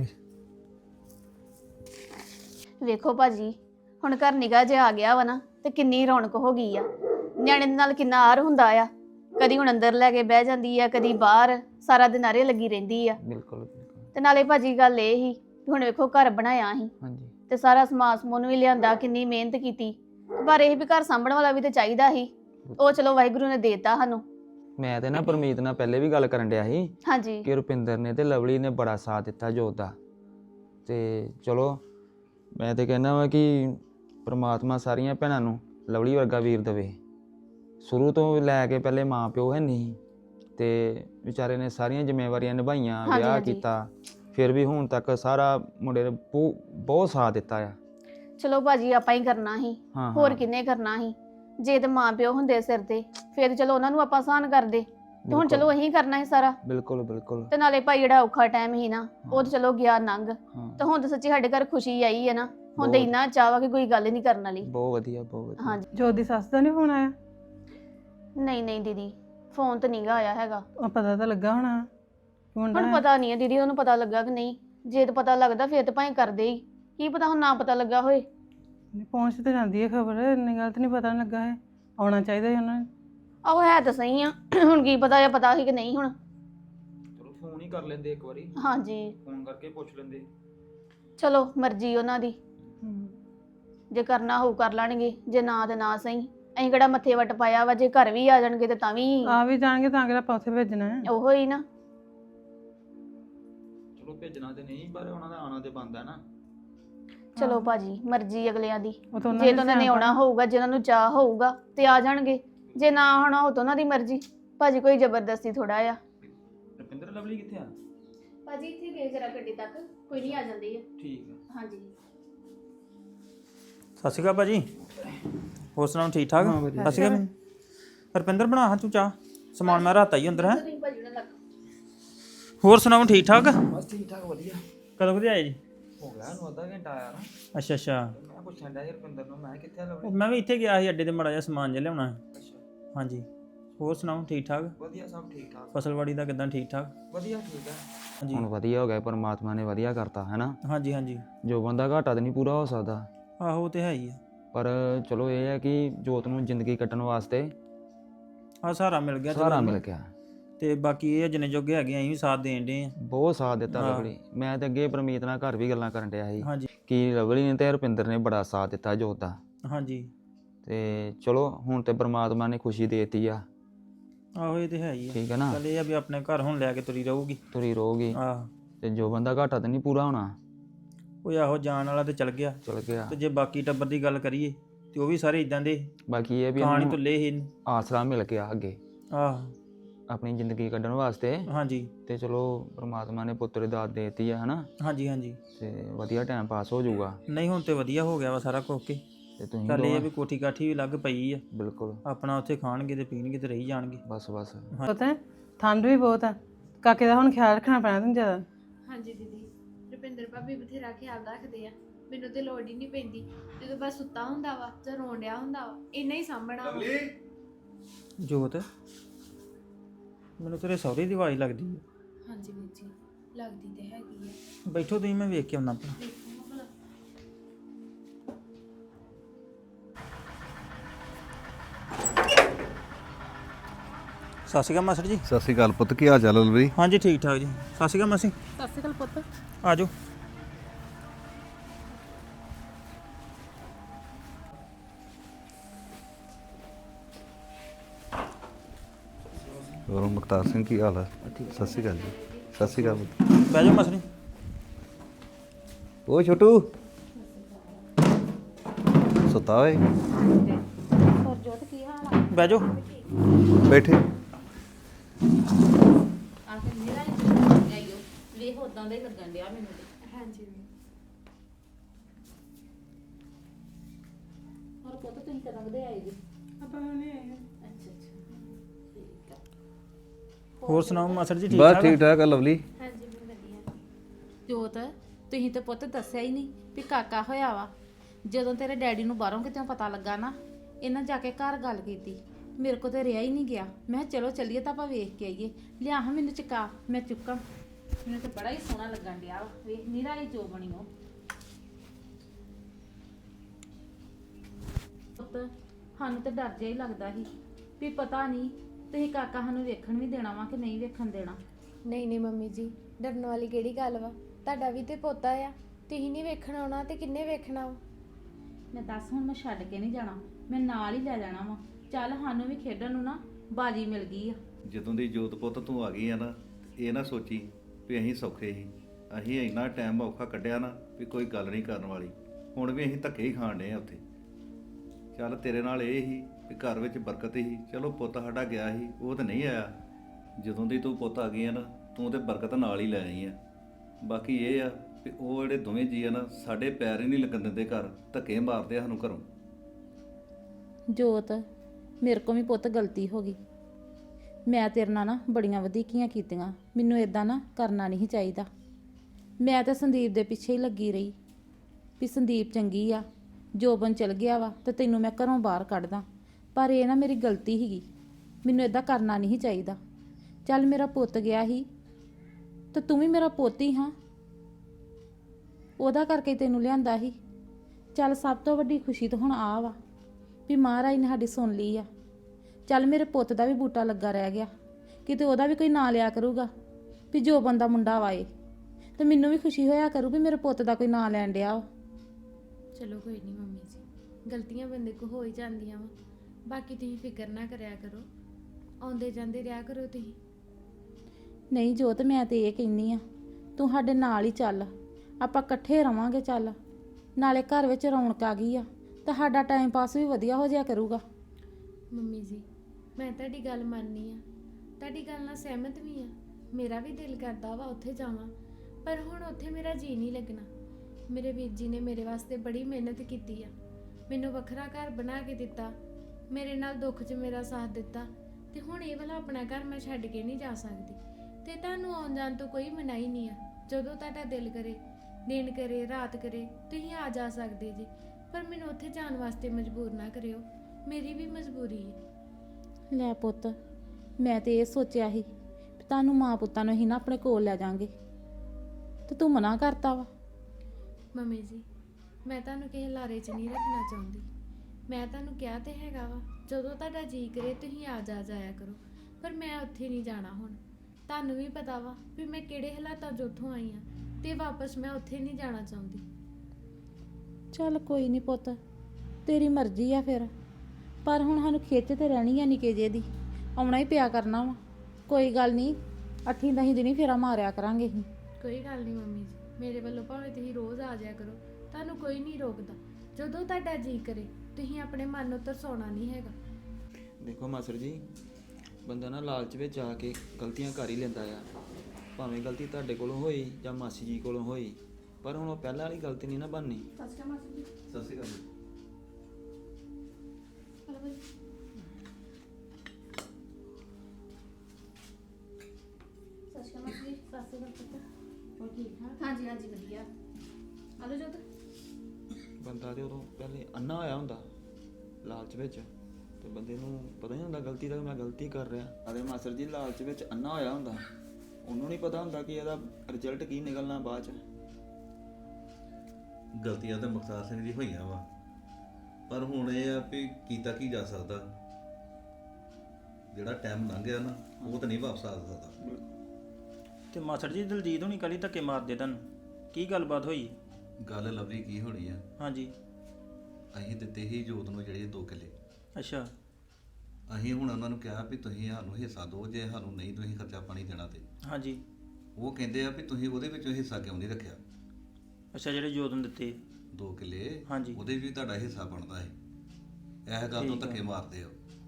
ਵੇਖੋ ਭਾਜੀ, ਹੁਣ ਘਰ ਨਿਗਾਹ ਜੇ ਆ ਗਿਆ ਵਾ ਨਾ ਤੇ ਕਿੰਨੀ ਰੌਣਕ ਹੋ ਗਈ ਆ। ਨਿਆਣੇ ਦੇ ਨਾਲ ਕਿੰਨਾ ਆਰ ਹੁੰਦਾ ਆ, ਕਦੀ ਹੁਣ ਅੰਦਰ ਲੈ ਕੇ ਬਹਿ ਜਾਂਦੀ ਆ, ਕਦੀ ਬਾਹਰ, ਸਾਰਾ ਦਿਨ ਆਰੇ ਲੱਗੀ ਰਹਿੰਦੀ ਆ।
ਬਿਲਕੁਲ ਬਿਲਕੁਲ।
ਤੇ ਨਾਲੇ ਭਾਜੀ ਗੱਲ ਇਹ ਹੀ ਹੁਣ ਵੇਖੋ ਘਰ ਬਣਾਇਆ ਸੀ
ਹਾਂਜੀ
ਤੇ ਸਾਰਾ ਸਮਾਨ ਸਮੂਨ ਵੀ ਲਿਆਂਦਾ, ਕਿੰਨੀ ਮਿਹਨਤ ਕੀਤੀ, ਪਰ ਇਹ ਵੀ ਘਰ ਸਾਂਭਣ ਵਾਲਾ ਵੀ ਤੇ ਚਾਹੀਦਾ ਸੀ। ਉਹ ਚਲੋ ਵਾਹਿਗੁਰੂ ਨੇ ਦੇਤਾ ਸਾਨੂੰ।
ਮੈਂ ਤੇ ਨਾ ਪਰਮੀਤ ਨਾਲ ਪਹਿਲੇ ਵੀ ਗੱਲ ਕਰਨ ਡਿਆ ਸੀ
ਹਾਂਜੀ
ਕਿ ਰੁਪਿੰਦਰ ਨੇ ਤੇ ਲਵਲੀ ਨੇ ਬੜਾ ਸਾਥ ਦਿੱਤਾ ਜੋਤ ਦਾ। ਤੇ ਚਲੋ ਮੈਂ ਤੇ ਕਹਿੰਦਾ ਵਾ ਕਿ ਪ੍ਰਮਾਤਮਾ ਸਾਰੀਆਂ ਭੈਣਾਂ ਨੂੰ ਲਵਲੀ ਵਰਗਾ ਵੀਰ ਦੇਵੇ। ਸ਼ੁਰੂ ਤੋਂ ਲੈ ਕੇ ਪਹਿਲੇ ਮਾਂ ਪਿਓ ਹੈ ਨਹੀਂ ਤੇ ਵਿਚਾਰੇ ਨੇ ਸਾਰੀਆਂ ਜ਼ਿੰਮੇਵਾਰੀਆਂ ਨਿਭਾਈਆਂ,
ਹਾਂਜੀ,
ਵਿਆਹ
ਹਾਂਜੀ।
ਕੀਤਾ, ਫਿਰ ਵੀ ਹੁਣ ਤੱਕ ਸਾਰਾ ਮੁੰਡੇ ਨੇ ਬਹੁ- ਬਹੁਤ ਸਾਥ ਦਿੱਤਾ ਆ।
ਚਲੋ ਭਾਜੀ ਆਪਾਂ ਹੀ ਕਰਨਾ ਸੀ,
ਹਾਂ
ਹੋਰ
ਹਾਂ,
ਕਿੰਨੇ ਕਰਨਾ ਸੀ? ਜੇ ਤੇ ਮਾਂ ਪਿਓ ਹੁੰਦੇ ਸਿਰ ਤੇ ਫਿਰ ਚਲੋ ਉਹਨਾਂ ਨੂੰ ਆਪਾਂ ਆਸਾਨ ਕਰਦੇ, ਤੇ ਹੁਣ ਚਲੋ ਅਸੀਂ ਕਰਨਾ ਸੀ ਸਾਰਾ।
ਬਿਲਕੁਲ ਬਿਲਕੁਲ।
ਤੇ ਨਾਲੇ ਭਾਈ ਜਿਹੜਾ ਔਖਾ ਟਾਈਮ ਸੀ ਨਾ, ਉਹ ਤਾਂ ਚਲੋ ਗਿਆ ਲੰਘ,
ਹਾਂ
ਤੇ ਹੁਣ ਤਾਂ ਸੱਚੀ ਸਾਡੇ ਘਰ ਖੁਸ਼ੀ ਆਈ ਹੈ ਨਾ। ਹੁਣ ਤਾਂ
ਬਹੁਤ-
ਇੰਨਾ ਚਾਹ ਵਾ ਕਿ ਕੋਈ ਗੱਲ ਹੀ ਨਹੀਂ ਕਰਨ ਵਾਲੀ।
ਬਹੁਤ ਵਧੀਆ ਬਹੁਤ ਵਧੀਆ।
ਹਾਂਜੀ
ਜੋਤ ਦੀ ਸੱਸ ਦਾ ਨਹੀਂ ਫੋਨ ਆਇਆ?
ਨਹੀਂ ਨਹੀਂ ਦੀਦੀ, ਫੋਨ ਤਾਂ ਨਹੀਂਗਾ ਆਇਆ ਹੈਗਾ।
ਉਹ ਪਤਾ ਤਾਂ ਲੱਗਾ ਹੋਣਾ ਮੁੰਡਾ
ਹੁਣ
ਹੈ।
ਪਤਾ ਨਹੀਂ ਹੈ ਦੀਦੀ, ਉਹਨੂੰ ਪਤਾ ਲੱਗਾ ਕਿ ਨਹੀਂ। ਜੇ ਤਾਂ ਪਤਾ ਲੱਗਦਾ ਫਿਰ ਤਾਂ ਭਾਵੇਂ ਕਰਦੇ ਹੀ, ਕੀ ਪਤਾ ਹੁਣ ਨਾ ਪਤਾ ਲੱਗਾ ਹੋਏ।
ਨਹੀਂ, ਪਹੁੰਚ ਤੇ ਜਾਂਦੀ ਹੈ ਖਬਰ, ਇੰਨੀ ਗੱਲ ਤਾਂ ਨਹੀਂ ਪਤਾ ਲੱਗਾ ਹੈ। ਆਉਣਾ ਚਾਹੀਦਾ ਸੀ ਉਹਨਾਂ ਨੇ।
ਆਹੋ ਹੈ ਤਾਂ ਸਹੀ ਆ, ਹੁਣ ਕੀ ਪਤਾ ਜਾਂ ਪਤਾ ਸੀ ਕਿ ਨਹੀਂ ਹੁਣ।
ਚਲੋ ਫੋਨ ਹੀ ਕਰ ਲੈਂਦੇ ਇੱਕ ਵਾਰੀ,
ਹਾਂਜੀ
ਫੋਨ ਕਰਕੇ ਪੁੱਛ ਲੈਂਦੇ।
ਚਲੋ ਮਰਜ਼ੀ ਉਹਨਾਂ ਦੀ, ਜੇ ਕਰਨਾ ਹੋਊ ਕਰ ਲੈਣਗੇ, ਜੇ ਨਾ ਤੇ ਨਾ ਸਹੀ। ਅਸੀਂ ਕਿਹੜਾ ਮੱਥੇ ਵੱਟ ਪਾਇਆ ਵਾ, ਜੇ ਘਰ ਵੀ ਆ ਜਾਣਗੇ ਤੇ ਤਾਂ ਵੀ
ਆ ਵੀ ਜਾਣਗੇ ਤਾਂ ਕਿਹੜਾ ਆਪਾਂ ਉੱਥੇ ਭੇਜਣਾ ਹੈ।
ਉਹੋ ਹੀ ਨਾ।
ਚਲੋ ਭੇਜਣਾ ਤੇ ਨਹੀਂ, ਪਰ ਉਹਨਾਂ ਦਾ ਆਣਾ ਤੇ ਬਣਦਾ ਨਾ।
ਚਲੋ ਭਾਜੀ ਮਰਜ਼ੀ ਅਗਲਿਆਂ ਦੀ,
ਉਹ ਤਾਂ ਉਹਨਾਂ
ਜੇ
ਦੀ
ਤਾਂ ਉਹਨਾਂ ਨੇ
ਸਿਆਣਪ
ਆਉਣਾ ਹੋਊਗਾ, ਜੇ ਉਹਨਾਂ ਨੂੰ ਚਾਹ ਹੋਊਗਾ ਤੇ ਆ ਜਾਣਗੇ, ਜੇ ਨਾ ਆਉਣਾ ਹੋ ਤਾਂ ਉਹਨਾਂ ਦੀ ਮਰਜ਼ੀ। ਭਾਜੀ ਕੋਈ ਜ਼ਬਰਦਸਤੀ ਥੋੜਾ ਆ।
ਰੁਪਿੰਦਰ ਲਵਲੀ ਕਿੱਥੇ ਆ?
ਭਾਜੀ ਇੱਥੇ ਗਏ ਜਰਾ ਗੱਡੀ ਤੱਕ, ਕੋਈ ਨਹੀਂ ਆ ਜਾਂਦੀ ਹੈ।
ਠੀਕ ਆ।
ਹਾਂਜੀ
ਸਤਿ ਸ਼੍ਰੀ ਅਕਾਲ ਭਾਜੀ, ਹੋਰ ਸੁਣਾਓ ਠੀਕ ਠਾਕ? ਸਤਿ ਸ਼੍ਰੀ ਅਕਾਲ। ਰੁਪਿੰਦਰ ਬਣਾ ਹਾਂ ਤੂੰ ਚਾਹ, ਸਮਾਨ ਮੈਂ ਰਾਤਾ ਹੀ ਅੰਦਰ ਹੈ।
ਤੁਸੀਂ ਭਾਜੀ ਉਹਨਾਂ ਤੱਕ
ਹੋਰ ਸੁਣਾਓ ਠੀਕ ਠਾਕ?
ਬਸ ਠੀਕ ਠਾਕ ਵਧੀਆ।
ਕਦੋਂ ਕਦੇ ਆਏ ਜੀ?
ਹੋ ਗਿਆ ਇਹਨੂੰ ਅੱਧਾ ਘੰਟਾ ਆਇਆ ਨਾ।
ਅੱਛਾ ਅੱਛਾ,
ਮੈਂ ਪੁੱਛਣ ਡਿਆ ਸੀ ਰੁਪਿੰਦਰ ਨੂੰ, ਮੈਂ ਕਿਹਾ ਕਿੱਥੇ ਆ
ਉਹ
ਲਵਲੀ?
ਮੈਂ ਵੀ ਇੱਥੇ ਗਿਆ ਸੀ ਅੱਡੇ ਤੇ ਮਾੜਾ ਜਿਹਾ ਸਮਾਨ ਜਿਹਾ ਲਿਆਉਣਾ ਸੀ।
ਅੱਛਾ,
ਹਾਂਜੀ, ਹੋਰ ਸੁਣਾਓ ਠੀਕ ਠਾਕ?
ਵਧੀਆ ਸਭ ਠੀਕ ਠਾਕ।
ਫਸਲਵਾੜੀ ਦਾ ਕਿਦਾਂ ਠੀਕ ਠਾਕ?
ਵਧੀਆ ਠੀਕ ਆ।
ਹਾਂਜੀ
ਹੁਣ ਵਧੀਆ ਹੋ ਗਿਆ, ਪਰਮਾਤਮਾ ਨੇ ਵਧੀਆ ਕਰਤਾ ਹੈ ਨਾ।
ਹਾਂਜੀ ਹਾਂਜੀ,
ਜੋ ਬੰਦਾ ਘਾਟਾ ਤੇ ਨਹੀਂ ਪੂਰਾ ਹੋ ਸਕਦਾ,
ਆਹੋ ਉਹ ਤੇ ਹੈ ਹੀ ਆ।
ਪਰ ਚਲੋ ਇਹ ਹੈ ਕਿ ਜੋਤ ਨੂੰ ਜ਼ਿੰਦਗੀ ਕੱਟਣ ਵਾਸਤੇ
ਆ ਸਹਾਰਾ ਮਿਲ ਗਿਆ
ਸਹਾਰਾ
ਚਲੋ।
ਮਿਲ ਗਿਆ।
ਤੇ ਬਾਕੀ ਇਹ ਜਿੰਨੇ ਜੋਗੇ ਹੈਗੇ ਅਸੀਂ ਵੀ ਸਾਥ ਦੇਣ ਦੇ ਆ।
ਬਹੁਤ ਸਾਥ ਦਿੱਤਾ
ਹਾਂ।
ਲਵਲੀ। ਮੈਂ ਤੇ ਅੱਗੇ ਪਰਮੀਤ ਨਾਲ ਘਰ ਵੀ ਗੱਲਾਂ ਕਰਨ ਡਿਆ ਸੀ
ਹਾਂਜੀ
ਕਿ ਲਵਲੀ ਨੇ ਤੇ ਰੁਪਿੰਦਰ ਨੇ ਬੜਾ ਸਾਥ ਦਿੱਤਾ ਜੋਤ ਦਾ।
ਹਾਂਜੀ,
ਤੇ ਚਲੋ ਹੁਣ ਤੇ ਪਰਮਾਤਮਾ ਨੇ ਖੁਸ਼ੀ ਦੇਤੀ ਆ।
ਆਹੋ ਇਹ ਤੇ ਹੈ ਹੀ ਆ।
ਠੀਕ ਹੈ ਨਾ,
ਚੱਲ ਇਹ ਆ ਵੀ ਆਪਣੇ ਘਰ ਹੁਣ ਲੈ ਕੇ ਤੁਰੀ ਰਹੂਗੀ।
ਤੁਰੀ ਰਹੂਗੀ।
ਆਹ
ਤੇ ਜੋ ਬੰਦਾ ਘਾਟਾ ਤੇ ਨਹੀਂ ਪੂਰਾ ਹੋਣਾ,
ਉਹ ਆਹੋ ਜਾਣ ਵਾਲਾ ਤੇ ਚਲ ਗਿਆ।
ਚਲ ਗਿਆ।
ਤੇ ਜੇ ਬਾਕੀ ਟੱਬਰ ਦੀ ਗੱਲ ਕਰੀਏ ਤੇ ਉਹ ਵੀ ਸਾਰੇ ਇਦਾਂ ਦੇ
ਬਾਕੀ ਇਹ ਵੀ
ਕਹਾਣੀ
ਇਹਨੂੰ
ਤੁੱਲੇ ਹੀ।
ਆਸਰਾ ਮਿਲ ਗਿਆ ਅੱਗੇ
ਆਹ
ਆਪਣੀ ਜ਼ਿੰਦਗੀ ਕੱਢਣ ਵਾਸਤੇ।
ਹਾਂਜੀ
ਤੇ ਚਲੋ ਪਰਮਾਤਮਾ ਨੇ ਪੁੱਤਰ ਦੀ ਦਾਤ ਦੇਤੀ ਆ ਹਨਾ,
ਹਾਂਜੀ ਹਾਂਜੀ,
ਤੇ ਵਧੀਆ ਟਾਈਮ ਪਾਸ ਹੋ ਜਾਊਗਾ।
ਨਹੀਂ ਹੁਣ ਤੇ ਵਧੀਆ ਹੋ ਗਿਆ ਵਾ ਸਾਰਾ ਕੁਝ ਕੇ।
ਤੇ ਤੁਸੀਂ
ਚੱਲ ਇਹ ਆ
ਦੋਵਾਂ-
ਵੀ ਕੋਠੀ ਕਾਠੀ ਵੀ ਲੱਗ ਪਈ ਆ,
ਬਿਲਕੁਲ
ਆਪਣਾ ਉੱਥੇ ਖਾਣਗੇ ਤੇ ਪੀਣਗੇ ਤੇ ਰਹੀ ਜਾਣਗੇ।
ਬਸ ਬਸ।
ਪਤਾ ਹੈ ਠੰਡ ਵੀ ਬਹੁਤ ਆ, ਕਾਕੇ ਦਾ ਹੁਣ ਖਿਆਲ ਰੱਖਣਾ ਪੈਣਾ ਤੈਨੂੰ ਜ਼ਿਆਦਾ।
ਹਾਂਜੀ ਦੀਦੀ, ਰੁਪਿੰਦਰ ਭਾਬੀ ਬਥੇਰਾ ਖਿਆਲ ਰੱਖਦੇ ਆ, ਮੈਨੂੰ ਤੇ ਲੋੜ ਹੀ ਨਹੀਂ ਪੈਂਦੀ। ਜਦੋਂ ਬਸ ਸੁੱਤਾ ਹੁੰਦਾ ਵਾ ਜਾਂ ਰੋਣ ਡਿਆ ਹੁੰਦਾ ਵਾ, ਇੰਨਾ ਹੀ ਸਾਂਭਣਾ ਵਾ।
ਜੋਤ, ਮੈਨੂੰ ਤੇਰੇ ਸਹੁਰੇ ਦੀ ਆਵਾਜ਼ ਲੱਗਦੀ ਹੈ।
ਹਾਂਜੀ ਵੀਰ ਜੀ, ਲੱਗਦੀ ਤੇ ਹੈਗੀ ਆ।
ਬੈਠੋ ਤੁਸੀਂ, ਮੈਂ ਵੇਖ ਕੇ ਆਉਣਾ ਆਪਣਾ।
ਦੇਖੋ ਭਲਾ।
ਸਤਿ ਸ਼੍ਰੀ ਅਕਾਲ ਮਾਸਟਰ ਜੀ।
ਸਤਿ ਸ਼੍ਰੀ ਅਕਾਲ ਪੁੱਤ, ਕੀ ਹਾਲ ਚਾਲ ਲਵਲੀ?
ਹਾਂਜੀ ਠੀਕ ਠਾਕ ਜੀ। ਸਤਿ ਸ਼੍ਰੀ ਅਕਾਲ ਮਾਸੀ।
ਸਤਿ ਸ਼੍ਰੀ ਅਕਾਲ ਪੁੱਤ।
ਆ ਜਾਓ।
ਹੋਰ ਮੁਖਤਾਰ ਸਿੰਘ ਕੀ ਹਾਲ ਹੈ? ਸਤਿ ਸ਼੍ਰੀ ਅਕਾਲ ਜੀ। ਸਤਿ ਸ਼੍ਰੀ ਅਕਾਲ ਪੁੱਤ।
ਬਹਿ ਜਾਓ ਮਾਸਟਰ ਜੀ।
ਓ ਛੋਟੂ ਸੁੱਤਾ ਓਏ?
ਹਰਜੋਤ ਕੀ ਹਾਲ ਆ?
ਬਹਿ ਜਾਓ।
ਬੈਠੇ।
ਆ ਕੇ ਮੇਰਾ ਹੀ ਜਾਈਓ, ਵੇਖ ਉਦਾਂ ਦਾ ਹੀ ਲੱਗਣ ਡਿਆ ਮੈਨੂੰ ਤੇ।
ਹਾਂਜੀ ਵੀਰ।
ਹੋਰ ਪੁੱਤ ਤੁਸੀਂ ਕਦੋਂ ਕਦੇ ਆਏ ਜੀ?
ਆਪਾਂ ਹੁਣੇ ਆਏ
ਅੱਛਾ ਅੱਛਾ, ਠੀਕ ਆ।
ਹੋਰ ਸੁਣਾਓ ਮਾਸਟਰ ਜੀ ਠੀਕ
ਬਸ
ਠਾਕ?
ਠੀਕ ਠਾਕ ਆ ਲਵਲੀ।
ਹਾਂਜੀ ਮੈਂ ਵਧੀਆ।
ਜੋਤ, ਤੁਸੀਂ ਤੇ ਪੁੱਤ ਦੱਸਿਆ ਹੀ ਨਹੀਂ ਵੀ ਕਾਕਾ ਹੋਇਆ ਵਾ। ਜਦੋਂ ਤੇਰੇ ਡੈਡੀ ਨੂੰ ਬਾਹਰੋਂ ਕਿਤੋਂ ਪਤਾ ਲੱਗਾ ਨਾ, ਇਹਨਾਂ ਜਾ ਕੇ ਘਰ ਗੱਲ ਕੀਤੀ। ਮੇਰੇ ਕੋ ਤੇ ਰਿਹਾ ਹੀ ਨਹੀਂ ਗਿਆ। ਮੈਂ ਕਿਹਾ ਚਲੋ ਚੱਲੀਏ ਤਾਂ ਆਪਾਂ ਵੇਖ ਕੇ ਆਈਏ। ਲਿਆ ਹਾਂ ਮੈਨੂੰ ਚੁਕਾ, ਮੈਂ ਚੁੱਕਾਂ। ਮੈਨੂੰ ਤੇ ਬੜਾ ਹੀ ਸੋਹਣਾ ਲੱਗਣ ਡਿਆ ਵਾ। ਵੇਖ ਨਿਰਾ ਹੀ ਜੋ ਬਣੀ ਉਹ। ਪੁੱਤ, ਸਾਨੂੰ ਤੇ ਡਰ ਜਿਹਾ ਹੀ ਲੱਗਦਾ ਸੀ ਵੀ ਪਤਾ ਨਹੀਂ ਤੁਸੀਂ ਕਾਕਾ ਸਾਨੂੰ ਵੇਖਣ ਵੀ ਦੇਣਾ ਵਾ ਕਿ ਨਹੀਂ ਵੇਖਣ ਦੇਣਾ।
ਨਹੀਂ ਨਹੀਂ ਮੰਮੀ ਜੀ, ਡਰਨ ਵਾਲੀ ਕਿਹੜੀ ਗੱਲ ਵਾ? ਤੁਹਾਡਾ ਵੀ ਤੇ ਪੋਤਾ ਆ, ਤੁਸੀਂ ਨਹੀਂ ਵੇਖਣ ਆਉਣਾ ਤੇ ਕਿੰਨੇ ਵੇਖਣਾ ਵਾ?
ਮੈਂ ਦੱਸ ਹੁਣ ਮੈਂ ਛੱਡ ਕੇ ਨਹੀਂ ਜਾਣਾ, ਮੈਂ ਨਾਲ ਹੀ ਲੈ ਜਾਣਾ ਵਾ। ਚੱਲ ਸਾਨੂੰ ਵੀ ਖੇਡਣ ਨੂੰ ਨਾ ਬਾਜੀ ਮਿਲ ਗਈ ਆ।
ਜਦੋਂ ਦੀ ਜੋਤ ਪੁੱਤ ਤੂੰ ਆ ਗਈ ਆ ਨਾ, ਇਹ ਨਾ ਸੋਚੀ ਵੀ ਅਸੀਂ ਸੌਖੇ ਸੀ। ਅਸੀਂ ਇੰਨਾ ਟਾਈਮ ਔਖਾ ਕੱਢਿਆ ਨਾ ਵੀ ਕੋਈ ਗੱਲ ਨਹੀਂ ਕਰਨ ਵਾਲੀ। ਹੁਣ ਵੀ ਅਸੀਂ ਧੱਕੇ ਹੀ ਖਾਣ ਡਏ ਆ ਉੱਥੇ। ਚੱਲ ਤੇਰੇ ਨਾਲ ਇਹ ਹੀ ਵੀ ਘਰ ਵਿੱਚ ਬਰਕਤ ਹੀ। ਚਲੋ ਪੁੱਤ ਸਾਡਾ ਗਿਆ ਸੀ, ਉਹ ਤਾਂ ਨਹੀਂ ਆਇਆ। ਜਦੋਂ ਦੀ ਤੂੰ ਪੁੱਤ ਆ ਗਈ ਆ ਨਾ, ਤੂੰ ਤੇ ਬਰਕਤ ਨਾਲ ਹੀ ਲੈ ਆਈ ਆ। ਬਾਕੀ ਇਹ ਆ ਵੀ ਉਹ ਜਿਹੜੇ ਦੋਵੇਂ ਜੀ ਆ ਨਾ, ਸਾਡੇ ਪੈਰ ਹੀ ਨਹੀਂ ਲੱਗਣ ਦਿੰਦੇ ਘਰ, ਧੱਕੇ ਮਾਰਦੇ ਆ ਸਾਨੂੰ ਘਰੋਂ।
ਜੋਤ, ਮੇਰੇ ਕੋਲ ਵੀ ਪੁੱਤ ਗਲਤੀ ਹੋ ਗਈ। ਮੈਂ ਤੇਰੇ ਨਾਲ ਨਾ ਬੜੀਆਂ ਵਧੀਕੀਆਂ ਕੀਤੀਆਂ। ਮੈਨੂੰ ਇਦਾਂ ਨਾ ਕਰਨਾ ਨਹੀਂ ਚਾਹੀਦਾ। ਮੈਂ ਤਾਂ ਸੰਦੀਪ ਦੇ ਪਿੱਛੇ ਹੀ ਲੱਗੀ ਰਹੀ ਵੀ ਸੰਦੀਪ ਚੰਗੀ ਆ, ਜੋਬਨ ਚਲ ਗਿਆ ਵਾ ਤੇ ਤੈਨੂੰ ਮੈਂ ਘਰੋਂ ਬਾਹਰ ਕੱਢਦਾ। ਪਰ ਇਹ ਨਾ ਮੇਰੀ ਗਲਤੀ ਸੀਗੀ, ਮੈਨੂੰ ਇਦਾਂ ਕਰਨਾ ਨਹੀਂ ਚਾਹੀਦਾ। ਚੱਲ ਮੇਰਾ ਪੁੱਤ ਗਿਆ ਸੀ ਤੇ ਤੂੰ ਵੀ ਮੇਰਾ ਪੁੱਤ ਹੀ ਹਾਂ, ਉਹਦਾ ਕਰਕੇ ਤੈਨੂੰ ਲਿਆਂਦਾ ਸੀ। ਚੱਲ ਸਭ ਤੋਂ ਵੱਡੀ ਖੁਸ਼ੀ ਤਾਂ ਹੁਣ ਆ ਵਾ ਵੀ ਮਹਾਰਾਜ ਨੇ ਸਾਡੀ ਸੁਣ ਲਈ ਆ। ਚੱਲ ਮੇਰੇ ਪੁੱਤ ਦਾ ਵੀ ਬੂਟਾ ਲੱਗਾ ਰਹਿ ਗਿਆ, ਕਿਤੇ ਉਹਦਾ ਵੀ ਕੋਈ ਨਾਂ ਲਿਆ ਕਰੂਗਾ ਵੀ ਜੋ ਬੰਦਾ ਮੁੰਡਾ ਵਾਏ ਤੇ ਮੈਨੂੰ ਵੀ ਖੁਸ਼ੀ ਹੋਇਆ ਕਰੂ ਵੀ ਮੇਰੇ ਪੁੱਤ ਦਾ ਕੋਈ ਨਾਂ ਲੈਣ ਡਿਆ ਵਾ।
ਚਲੋ ਕੋਈ ਨਹੀਂ ਮੰਮੀ ਜੀ, ਗਲਤੀਆਂ ਬੰਦੇ ਕੋ ਹੋ ਹੀ ਜਾਂਦੀਆਂ ਵਾ। ਬਾਕੀ ਤੁਸੀਂ ਫਿਕਰ ਨਾ ਕਰਿਆ ਕਰੋ, ਆਉਂਦੇ ਜਾਂਦੇ ਰਿਹਾ ਕਰੋ ਤੁਸੀਂ।
ਨਹੀਂ ਜੋਤ, ਮੈਂ ਤੇ ਇਹ ਕਹਿੰਨੀ ਆ ਤੂੰ ਸਾਡੇ ਨਾਲ ਹੀ ਚੱਲ, ਆਪਾਂ ਇਕੱਠੇ ਰਵਾਂਗੇ ਚੱਲ, ਨਾਲੇ ਘਰ ਵਿੱਚ ਰੌਣਕ ਆ ਗਈ ਆ ਤਾਂ ਸਾਡਾ ਟਾਈਮ ਪਾਸ ਵੀ ਵਧੀਆ ਹੋ ਜਾਇਆ ਕਰੂਗਾ।
ਮੰਮੀ ਜੀ, ਮੈਂ ਤੁਹਾਡੀ ਗੱਲ ਮੰਨਨੀ ਆ, ਤੁਹਾਡੀ ਗੱਲ ਨਾਲ ਸਹਿਮਤ ਵੀ ਆ। ਮੇਰਾ ਵੀ ਦਿਲ ਕਰਦਾ ਵਾ ਉੱਥੇ ਜਾਵਾਂ, ਪਰ ਹੁਣ ਉੱਥੇ ਮੇਰਾ ਜੀ ਨਹੀਂ ਲੱਗਣਾ। ਮੇਰੇ ਵੀਰ ਜੀ ਨੇ ਮੇਰੇ ਵਾਸਤੇ ਬੜੀ ਮਿਹਨਤ ਕੀਤੀ ਆ, ਮੈਨੂੰ ਵੱਖਰਾ ਘਰ ਬਣਾ ਕੇ ਦਿੱਤਾ, ਮੇਰੇ ਨਾਲ ਦੁੱਖ 'ਚ ਮੇਰਾ ਸਾਥ ਦਿੱਤਾ, ਤੇ ਹੁਣ ਇਹ ਵਾਲਾ ਆਪਣਾ ਘਰ ਮੈਂ ਛੱਡ ਕੇ ਨਹੀਂ ਜਾ ਸਕਦੀ। ਤੇ ਤੁਹਾਨੂੰ ਆਉਣ ਜਾਣ ਤੋਂ ਕੋਈ ਮਨਾਹੀ ਨਹੀਂ ਆ, ਜਦੋਂ ਤੁਹਾਡਾ ਦਿਲ ਕਰੇ, ਦਿਨ ਕਰੇ, ਰਾਤ ਕਰੇ, ਤੁਸੀਂ ਆ ਜਾ ਸਕਦੇ ਜੀ। ਪਰ ਮੈਨੂੰ ਉੱਥੇ ਜਾਣ ਵਾਸਤੇ ਮਜਬੂਰ ਨਾ ਕਰਿਓ, ਮੇਰੀ ਵੀ ਮਜਬੂਰੀ ਹੈ।
ਲੈ ਪੁੱਤ, ਮੈਂ ਤੇ ਇਹ ਸੋਚਿਆ ਸੀ ਵੀ ਤੁਹਾਨੂੰ ਮਾਂ ਪੁੱਤਾਂ ਨੂੰ ਹੀ ਨਾ ਆਪਣੇ ਕੋਲ ਲੈ ਜਾਾਂਗੇ, ਤੇ ਤੂੰ ਮਨਾ ਕਰਤਾ ਵਾ।
ਮੰਮੀ ਜੀ, ਮੈਂ ਤੁਹਾਨੂੰ ਕਿਸੇ ਲਾਰੇ 'ਚ ਨਹੀਂ ਰੱਖਣਾ ਚਾਹੁੰਦੀ। ਮੈਂ ਤੁਹਾਨੂੰ ਕਿਹਾ ਤੇ ਹੈਗਾ ਵਾ, ਜਦੋਂ ਤੁਹਾਡਾ ਜੀ ਕਰੇ ਤੁਸੀਂ ਆ ਜਾ ਜਾਇਆ ਕਰੋ, ਪਰ ਮੈਂ ਉੱਥੇ ਨਹੀਂ ਜਾਣਾ ਹੁਣ। ਤੁਹਾਨੂੰ ਵੀ ਪਤਾ ਵਾ ਵੀ ਮੈਂ ਕਿਹੜੇ ਹਾਲਾਤਾਂ 'ਚ ਉੱਥੋਂ ਆਈ ਹਾਂ, ਤੇ ਵਾਪਸ ਮੈਂ ਉੱਥੇ ਨਹੀਂ ਜਾਣਾ ਚਾਹੁੰਦੀ।
ਚੱਲ ਕੋਈ ਨਹੀਂ ਪੁੱਤ, ਤੇਰੀ ਮਰਜ਼ੀ ਆ ਫਿਰ, ਪਰ ਹੁਣ ਸਾਨੂੰ ਖਿੱਚ ਤੇ ਰਹਿਣੀ ਆ ਨਿੱਕੇ ਜੇ ਦੀ, ਆਉਣਾ ਹੀ ਪਿਆ ਕਰਨਾ ਵਾ। ਕੋਈ ਗੱਲ ਨਹੀਂ, ਅੱਠੀ ਦਹੀਂ ਦਿਨੀ ਫੇਰਾ ਮਾਰਿਆ ਕਰਾਂਗੇ ਅਸੀਂ।
ਕੋਈ ਗੱਲ ਨਹੀਂ ਮੰਮੀ ਜੀ, ਮੇਰੇ ਵੱਲੋਂ ਭਾਵੇਂ ਤੁਸੀਂ ਰੋਜ਼ ਆ ਜਾਇਆ ਕਰੋ, ਤੁਹਾਨੂੰ ਕੋਈ ਨਹੀਂ ਰੋਕਦਾ। ਜਦੋਂ ਤੁਹਾਡਾ ਜੀ ਕਰੇ ਤੁਸੀਂ ਆਪਣੇ ਮਨ ਨੂੰ ਤਰਸਾਉਣਾ ਨਹੀਂ ਹੈਗਾ।
ਦੇਖੋ ਮਾਸਟਰ ਜੀ, ਬੰਦਾ ਨਾ ਲਾਲਚ ਵਿੱਚ ਆ ਕੇ ਗਲਤੀਆਂ ਕਰ ਹੀ ਲੈਂਦਾ ਆ, ਭਾਵੇਂ ਗਲਤੀ ਤੁਹਾਡੇ ਕੋਲੋਂ ਹੋਈ ਜਾਂ ਮਾਸੀ ਜੀ ਕੋਲੋਂ ਹੋਈ, ਪਰ ਹੁਣ ਉਹ ਪਹਿਲਾਂ ਵਾਲੀ ਗਲਤੀ ਨਹੀਂ ਨਾ ਬਣਨੀ।
ਸਤਿ ਸ਼੍ਰੀ ਅਕਾਲ।
ਹਾਂਜੀ ਹਾਂਜੀ ਵਧੀਆ। ਆਲੋ ਜੋਤ,
ਬੰਦਾ ਤੇ ਉਦੋਂ ਪਹਿਲੇ ਅੰਨਾ ਹੋਇਆ ਹੁੰਦਾ ਲਾਲਚ ਵਿੱਚ, ਤੇ ਬੰਦੇ ਨੂੰ ਪਤਾ ਨਹੀਂ ਹੁੰਦਾ ਗਲਤੀ ਦਾ, ਮੈਂ ਗਲਤੀ ਕਰ ਰਿਹਾ। ਅਰੇ ਮਾਸਟਰ ਜੀ, ਲਾਲਚ ਵਿੱਚ ਅੰਨਾ ਹੋਇਆ ਹੁੰਦਾ, ਉਹਨੂੰ ਨਹੀਂ ਪਤਾ ਹੁੰਦਾ ਕਿ ਇਹਦਾ ਰਿਜ਼ਲਟ ਕੀ ਨਿਕਲਣਾ ਬਾਅਦ 'ਚ।
ਗਲਤੀਆਂ ਤਾਂ ਮੁਖਤਾਰ ਸਿੰਘ ਦੀ ਹੋਈਆਂ ਵਾ, ਪਰ ਹੁਣ ਇਹ ਆ ਵੀ ਕੀਤਾ ਕੀ ਜਾ ਸਕਦਾ। ਜਿਹੜਾ ਟਾਈਮ ਲੰਘ ਗਿਆ ਨਾ, ਉਹ ਤਾਂ ਨਹੀਂ ਵਾਪਸ ਆ ਸਕਦਾ।
ਤੇ ਮਾਸਟਰ ਜੀ, ਦਲਜੀਤ ਹੋਣੀ ਕੱਲ੍ਹ ਹੀ ਧੱਕੇ ਮਾਰਦੇ ਤੁਹਾਨੂੰ, ਕੀ ਗੱਲਬਾਤ ਹੋਈ?
ਗੱਲ ਲਵਲੀ ਕੀ ਹੋਣੀ ਆ,
ਹਾਂਜੀ।
ਅਸੀਂ ਦਿੱਤੇ ਸੀ ਜੋਤ ਨੂੰ ਜਿਹੜੇ ਦੋ ਕਿੱਲੇ।
ਅੱਛਾ।
ਅਸੀਂ ਹੁਣ ਉਹਨਾਂ ਨੂੰ ਕਿਹਾ ਵੀ ਤੁਸੀਂ ਸਾਨੂੰ ਹਿੱਸਾ ਦਿਓ, ਜੇ ਸਾਨੂੰ ਨਹੀਂ ਤੁਸੀਂ ਖਰਚਾ ਪਾਣੀ ਦੇਣਾ ਤੇ।
ਹਾਂਜੀ।
ਉਹ ਕਹਿੰਦੇ ਆ ਵੀ ਤੁਸੀਂ ਉਹਦੇ ਵਿੱਚੋਂ ਹਿੱਸਾ ਕਿਉਂ ਨਹੀਂ ਰੱਖਿਆ।
ਅੱਛਾ, ਜਿਹੜੇ ਜੋਤ ਨੂੰ ਦਿੱਤੇ
ਦੋ ਕਿੱਲੇ,
ਹਾਂਜੀ,
ਉਹਦੇ ਵੀ ਤੁਹਾਡਾ ਹਿੱਸਾ ਬਣਦਾ ਹੈ। ਇਹ ਗੱਲ ਤੋਂ ਧੱਕੇ ਮਾਰਦੇ ਹੋ।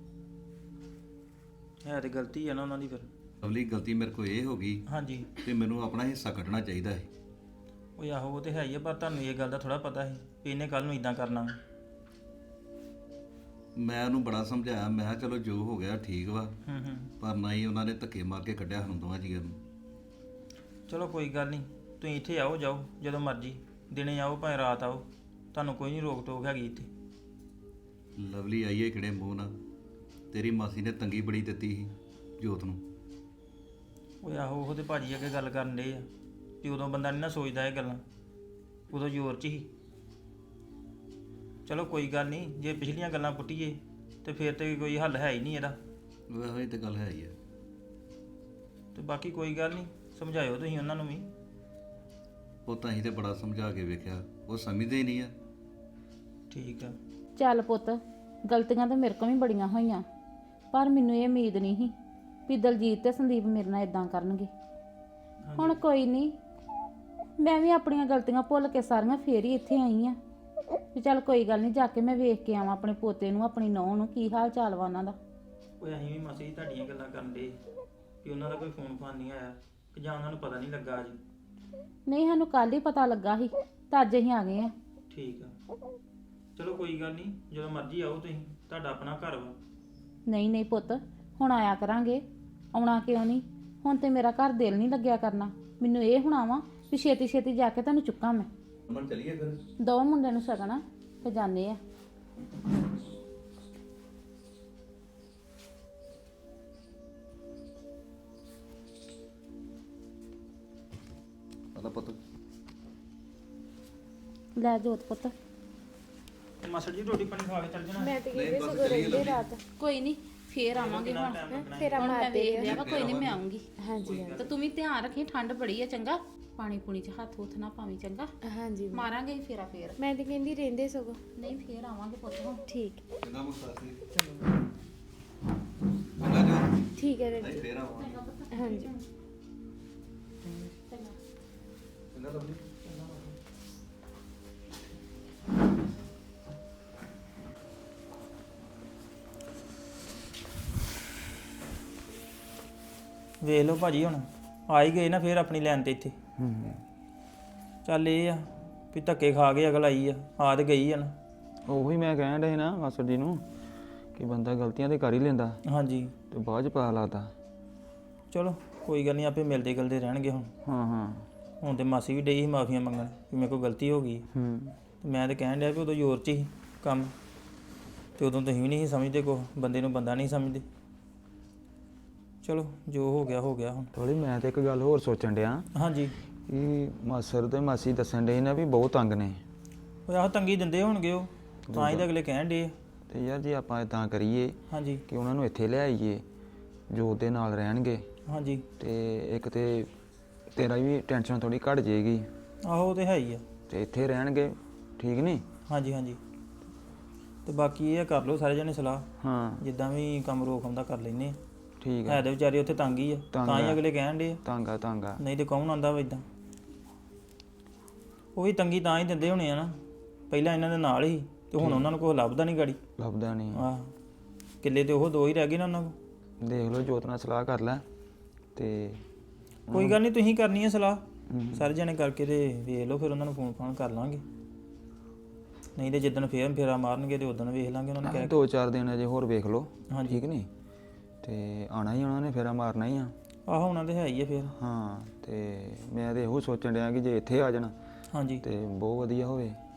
ਹੈ ਤੇ ਗਲਤੀ ਹੈ ਨਾ ਉਹਨਾਂ ਦੀ ਫਿਰ।
ਲਵਲੀ, ਗਲਤੀ ਮੇਰੇ ਕੋਲ ਇਹ ਹੋ ਗਈ,
ਹਾਂਜੀ,
ਤੇ ਮੈਨੂੰ ਆਪਣਾ ਹਿੱਸਾ ਕੱਢਣਾ ਚਾਹੀਦਾ ਹੈ।
ਉਹ ਆਹੋ, ਉਹ ਤੇ ਹੈ ਹੀ ਆ, ਪਰ ਤੁਹਾਨੂੰ ਇਹ ਗੱਲ ਦਾ ਥੋੜਾ ਪਤਾ ਸੀ ਵੀ ਇਹਨੇ ਕੱਲ ਨੂੰ ਇਦਾਂ ਕਰਨਾ।
ਮੈਂ ਉਹਨੂੰ ਬੜਾ ਸਮਝਾਇਆ, ਮੈਂ ਕਿਹਾ ਚਲੋ ਜੋ ਹੋ ਗਿਆ ਠੀਕ ਵਾ,
ਹੂੰ ਹੂੰ
ਪਰ ਨਹੀਂ, ਉਹਨਾਂ ਨੇ ਧੱਕੇ ਮਾਰ ਕੇ ਕੱਢਿਆ ਸਾਨੂੰ ਦੋਵਾਂ ਜੀਆਂ ਨੂੰ।
ਚਲੋ ਕੋਈ ਗੱਲ ਨਹੀਂ, ਤੁਸੀਂ ਇੱਥੇ ਆਓ ਜਾਓ ਜਦੋਂ ਮਰਜ਼ੀ, ਦਿਨੇ ਆਓ ਭਾਵੇਂ ਰਾਤ ਆਓ, ਤੁਹਾਨੂੰ ਕੋਈ ਨਹੀਂ ਰੋਕ ਟੋਕ ਹੈਗੀ ਇੱਥੇ।
ਲਵਲੀ ਆਈਏ ਕਿਹੜੇ ਮੂੰਹ ਨਾਲ, ਤੇਰੀ ਮਾਸੀ ਨੇ ਤੰਗੀ ਬੜੀ ਦਿੱਤੀ ਸੀ ਜੋਤ ਨੂੰ।
ਉਹ ਆਹੋ, ਉਹ ਤੇ ਭਾਜੀ ਅੱਗੇ ਗੱਲ ਕਰਨ ਡੇ ਆ ਕਿ ਉਦੋਂ ਬੰਦਾ ਨਹੀਂ ਨਾ ਸੋਚਦਾ ਇਹ ਗੱਲਾਂ, ਉਦੋਂ ਜ਼ੋਰ 'ਚ ਹੀ। ਚਲੋ ਕੋਈ ਗੱਲ ਨਹੀਂ, ਜੇ ਪਿਛਲੀਆਂ ਗੱਲਾਂ ਪੁੱਟੀਏ ਤੇ ਫਿਰ ਤੇ ਕੋਈ ਹੱਲ ਹੈ ਹੀ ਨਹੀਂ ਇਹਦਾ।
ਉਹ ਇਹ ਤਾਂ ਗੱਲ ਹੈ ਹੀ ਆ।
ਤੇ ਬਾਕੀ ਕੋਈ ਗੱਲ ਨਹੀਂ, ਸਮਝਾਇਓ ਤੁਸੀਂ ਉਹਨਾਂ ਨੂੰ ਵੀ।
ਉਹ ਤਾਂ ਅਸੀਂ ਤੇ ਬੜਾ ਸਮਝਾ ਕੇ ਵੇਖਿਆ, ਉਹ ਸਮਝਦੇ ਹੀ ਨਹੀਂ ਆ।
ਠੀਕ ਆ।
ਚੱਲ ਪੁੱਤ, ਗਲਤੀਆਂ ਤਾਂ ਮੇਰੇ ਕੋਲ ਵੀ ਬੜੀਆਂ ਹੋਈਆਂ, ਪਰ ਮੈਨੂੰ ਇਹ ਉਮੀਦ ਨਹੀਂ ਸੀ ਵੀ ਦਲਜੀਤ ਤੇ ਸੰਦੀਪ ਮੇਰੇ ਨਾਲ ਇਦਾਂ ਕਰਨਗੇ। ਹੁਣ ਕੋਈ ਨਹੀਂ, ਮੈਂ ਵੀ ਆਪਣੀਆਂ ਗਲਤੀਆਂ ਭੁੱਲ ਕੇ ਸਾਰੀਆਂ ਫੇਰ ਹੀ ਇੱਥੇ ਆਈ ਆ ਵੀ ਚੱਲ ਕੋਈ ਗੱਲ ਨਹੀਂ, ਜਾ ਕੇ ਮੈਂ ਵੇਖ ਕੇ ਆਵਾਂ ਆਪਣੇ ਪੋਤੇ ਨੂੰ, ਆਪਣੀ ਨੂੰਹ ਨੂੰ, ਕੀ ਹਾਲ ਚਾਲ ਵਾ ਉਹਨਾਂ ਦਾ।
ਉਹ ਅਸੀਂ ਵੀ ਮਾਸੀ ਜੀ ਤੁਹਾਡੀਆਂ ਗੱਲਾਂ ਕਰਨ ਡੇ ਕਿ ਉਹਨਾਂ ਦਾ ਕੋਈ ਫੋਨ ਫਾਨ ਨਹੀਂ ਆਇਆ, ਕਿ ਜਾਂ ਉਹਨਾਂ ਨੂੰ ਪਤਾ ਨਹੀਂ ਲੱਗਾ ਅੱਜ।
ਨਹੀਂ, ਸਾਨੂੰ ਕੱਲ ਹੀ ਪਤਾ ਲੱਗਾ ਸੀ ਤਾਂ ਅੱਜ ਅਸੀਂ ਆ ਗਏ ਆ।
ਠੀਕ ਆ, ਚਲੋ ਕੋਈ ਗੱਲ ਨਹੀਂ, ਜਦੋਂ ਮਰਜ਼ੀ ਆਓ ਤੁਸੀਂ, ਤੁਹਾਡਾ ਆਪਣਾ ਘਰ ਵਾ।
ਨਹੀਂ ਨਹੀਂ ਪੁੱਤ, ਹੁਣ ਆਇਆ ਕਰਾਂਗੇ, ਆਉਣਾ ਕਿਉਂ ਨਹੀਂ। ਹੁਣ ਤੇ ਮੇਰਾ ਘਰ ਦਿਲ ਨਹੀਂ ਲੱਗਿਆ ਕਰਨਾ, ਮੈਨੂੰ ਇਹ ਹੋਣਾ ਵਾ ਵੀ ਛੇਤੀ ਛੇਤੀ ਜਾ ਕੇ ਤੁਹਾਨੂੰ ਚੁੱਕਾਂ ਮੈਂ।
ਅਮਨ ਚਲੀਏ ਫਿਰ।
ਦੋ ਮੁੰਡੇ ਨੂੰ ਸ਼ਗਨ ਤੇ ਜਾਂਦੇ ਆ।
ਹਲਾ ਪੁੱਤ,
ਲੈ ਜੋਤ ਪੁੱਤ।
ਤੇ ਮਾਸਟਰ ਜੀ ਰੋਟੀ ਪਾਣੀ ਖਾ ਕੇ ਚੱਲ ਜਾਣਾ।
ਮੈਂ ਤੇ
ਨਹੀਂ, ਬਸ ਚਲੀਏ ਲਵਲੀ।
ਕੋਈ ਨਹੀਂ, ਫੇਰ ਆਵਾਂਗੇ ਹੁਣ
ਫੇਰ
ਹੁਣ
ਮਾਰ
ਮੈਂ ਵੇਖ
ਦੇ
ਲਿਆ ਵਾ ਕੋਈ ਨਹੀਂ ਮੈਂ ਆਉਂਗੀ
ਹਾਂਜੀ ਹਾਂਜੀ
ਤੇ ਤੂੰ ਵੀ ਧਿਆਨ ਰੱਖੀ ਠੰਡ ਬੜੀ ਆ ਚੰਗਾ ਪਾਣੀ ਪੂਣੀ ਚ ਹੱਥ ਹੁੱਥ ਨਾ ਪਾਵੀਂ ਚੰਗਾ
ਹਾਂਜੀ
ਮਾਰਾਂਗੇ ਫੇਰਾ ਫੇਰ
ਮੈਂ ਤੇ ਕਹਿੰਦੀ ਰਹਿੰਦੇ ਸਗੋਂ
ਨਹੀਂ ਫੇਰ ਆਵਾਂਗੇ ਪੁੱਤ ਹੁਣ
ਠੀਕ
ਚੰਗਾ ਮੁਸਤਾਸੀ ਚੰਗਾ ਜੋ
ਠੀਕ ਹੈ ਡੈਡੀ
ਫੇਰ ਆਵਾਂਗੇ
ਹਾਂਜੀ
ਚੰਗਾ ਲਵਲੀ
ਵੇਖ ਲਓ ਭਾਜੀ ਹੁਣ ਆ ਹੀ ਗਏ ਨਾ ਫੇਰ ਆਪਣੀ ਲਾਈਨ ਤੇ ਇੱਥੇ
ਹੂੰ
ਚੱਲ ਇਹ ਆ ਵੀ ਧੱਕੇ ਖਾ ਕੇ ਅਗਲ ਆਈ ਆ ਆ ਤੇ ਗਈ ਆ ਨਾ
ਉਹੀ ਮੈਂ ਕਹਿਣ ਡਿਆ ਸੀ ਨਾ ਮਾਸਟਰ ਜੀ ਨੂੰ ਕਿ ਬੰਦਾ ਗਲਤੀਆਂ ਤੇ ਕਰ ਹੀ ਲੈਂਦਾ
ਹਾਂਜੀ
ਤੇ ਬਾਅਦ ਚ ਪਤਾ ਲੱਗਦਾ।
ਚਲੋ ਕੋਈ ਗੱਲ ਨਹੀਂ ਆਪੇ ਮਿਲਦੇ ਗਲਦੇ ਰਹਿਣਗੇ ਹੁਣ
ਹਾਂ ਹਾਂ
ਹੁਣ ਤੇ ਮਾਸੀ ਵੀ ਡਈ ਸੀ ਮਾਫੀਆਂ ਮੰਗਣ ਕਿ ਮੇਰੇ ਕੋਲ ਗਲਤੀ ਹੋ ਗਈ
ਹੂੰ
ਤੇ ਮੈਂ ਤੇ ਕਹਿਣ ਡਿਆ ਵੀ ਉਦੋਂ ਜ਼ੋਰ 'ਚ ਸੀ ਕੰਮ ਤੇ ਉਦੋਂ ਤੁਸੀਂ ਵੀ ਨਹੀਂ ਸੀ ਸਮਝਦੇ ਕੋ ਬੰਦੇ ਨੂੰ ਬੰਦਾ ਨਹੀਂ ਸਮਝਦੇ ਚਲੋ ਜੋ ਹੋ ਗਿਆ ਹੋ ਗਿਆ ਹੁਣ
ਥੋੜੀ ਮੈਂ ਤੇ ਇੱਕ ਗੱਲ ਹੋਰ ਸੋਚਣ ਡਿਆ
ਹਾਂਜੀ
ਕਿ ਮਾਸਰ ਤੇ ਮਾਸੀ ਦੱਸਣ ਡੇ ਨਾ ਵੀ ਬਹੁਤ ਤੰਗ ਨੇ
ਉਹ ਆਹ ਤੰਗੀ ਦਿੰਦੇ ਹੋਣਗੇ ਉਹ ਤਾਂ ਹੀ ਤਾਂ ਅਗਲੇ ਕਹਿਣ ਡੇ
ਤੇ ਯਾਰ ਜੇ ਆਪਾਂ ਇਦਾਂ ਕਰੀਏ
ਹਾਂਜੀ
ਕਿ ਉਹਨਾਂ ਨੂੰ ਇੱਥੇ ਲੈ ਆਈਏ ਜੋ ਦੇ ਨਾਲ ਰਹਿਣਗੇ
ਹਾਂਜੀ
ਤੇ ਇੱਕ ਤੇ ਤੇਰਾ ਵੀ ਟੈਨਸ਼ਨ ਥੋੜੀ ਘਟ ਜਾਏਗੀ
ਆਹੋ ਉਹ ਤੇ ਹੈ ਹੀ ਆ
ਤੇ ਇੱਥੇ ਰਹਿਣਗੇ ਠੀਕ ਨਹੀਂ।
ਹਾਂਜੀ ਹਾਂਜੀ ਤੇ ਬਾਕੀ ਇਹ ਕਰ ਲਓ ਸਾਰੇ ਜਣੇ ਸਲਾਹ
ਹਾਂ
ਜਿੱਦਾਂ ਵੀ ਕੰਮ ਰੋਕ ਆਉਂਦਾ ਕਰ ਲੈਨੇ ਆ
ਠੀਕ
ਹੈ
ਹੈ
ਤੇ ਵਿਚਾਰੇ ਉੱਥੇ ਤੰਗ ਹੀ ਆ
ਤੰਗ
ਤਾਂ ਹੀ
ਆ।
ਅਗਲੇ ਕਹਿਣ ਡੇ
ਤਾਂਗਾ ਤਾਂਗਾ
ਨਹੀਂ ਤੇ ਕੌਣ ਆਉਂਦਾ ਵਾ ਇਦਾਂ ਉਹ ਵੀ ਤੰਗੀ ਤਾਂ ਹੀ ਦਿੰਦੇ ਹੋਣੇ ਆ ਨਾ ਪਹਿਲਾਂ ਇਹਨਾਂ ਦੇ ਨਾਲ ਹੀ ਤੇ ਹੁਣ ਉਹਨਾਂ ਨੂੰ ਕੋਈ ਲੱਭਦਾ ਨਹੀਂ ਗਾੜੀ
ਲੱਭਦਾ ਨਹੀਂ।
ਆਹ ਕਿੱਲੇ ਤੇ ਉਹ ਦੋ ਹੀ ਰਹਿ ਗਏ ਨਾ ਉਹਨਾਂ ਕੋਲ
ਦੇਖ ਲਓ ਜੋਤ ਨਾਲ ਸਲਾਹ ਕਰ ਲੈ ਤੇ
ਕੋਈ ਗੱਲ ਨਹੀਂ ਤੁਸੀਂ ਕਰਨੀ ਹੈ ਸਲਾਹ
ਹਮ।
ਸਾਰੇ ਜਣੇ ਕਰਕੇ ਤੇ ਵੇਖ ਲਓ ਫਿਰ ਉਹਨਾਂ ਨੂੰ ਫੋਨ ਫਾਨ ਕਰ ਲਾਂਗੇ ਨਹੀਂ ਤੇ ਜਿੱਦਣ ਫੇਰ ਫੇਰਾ ਮਾਰਨਗੇ ਤੇ ਉਦੋਂ ਵੇਖ ਲਾਂਗੇ ਉਹਨਾਂ ਨੂੰ ਕਹਿ
ਦੋ ਚਾਰ ਦਿਨ ਅਜੇ ਹੋਰ ਵੇਖ ਲਓ
ਹਾਂਜੀ
ਠੀਕ ਨਹੀਂ ਤੇ ਆਣਾ ਹੀ ਉਹਨਾਂ ਨੇ ਫੇਰਾ ਮਾਰਨਾ ਹੀ ਆ।
ਆਹੋ ਉਹਨਾਂ ਦੇ ਹੈ ਹੀ ਆ ਫੇਰ
ਹਾਂ ਤੇ ਮੈਂ ਤੇ ਇਹੋ ਸੋਚਣ ਡਿਆ ਕਿ ਜੇ ਇੱਥੇ ਆ ਜਾਣਾ
ਹਾਂਜੀ
ਤੇ ਬਹੁਤ ਵਧੀਆ ਹੋਵੇ।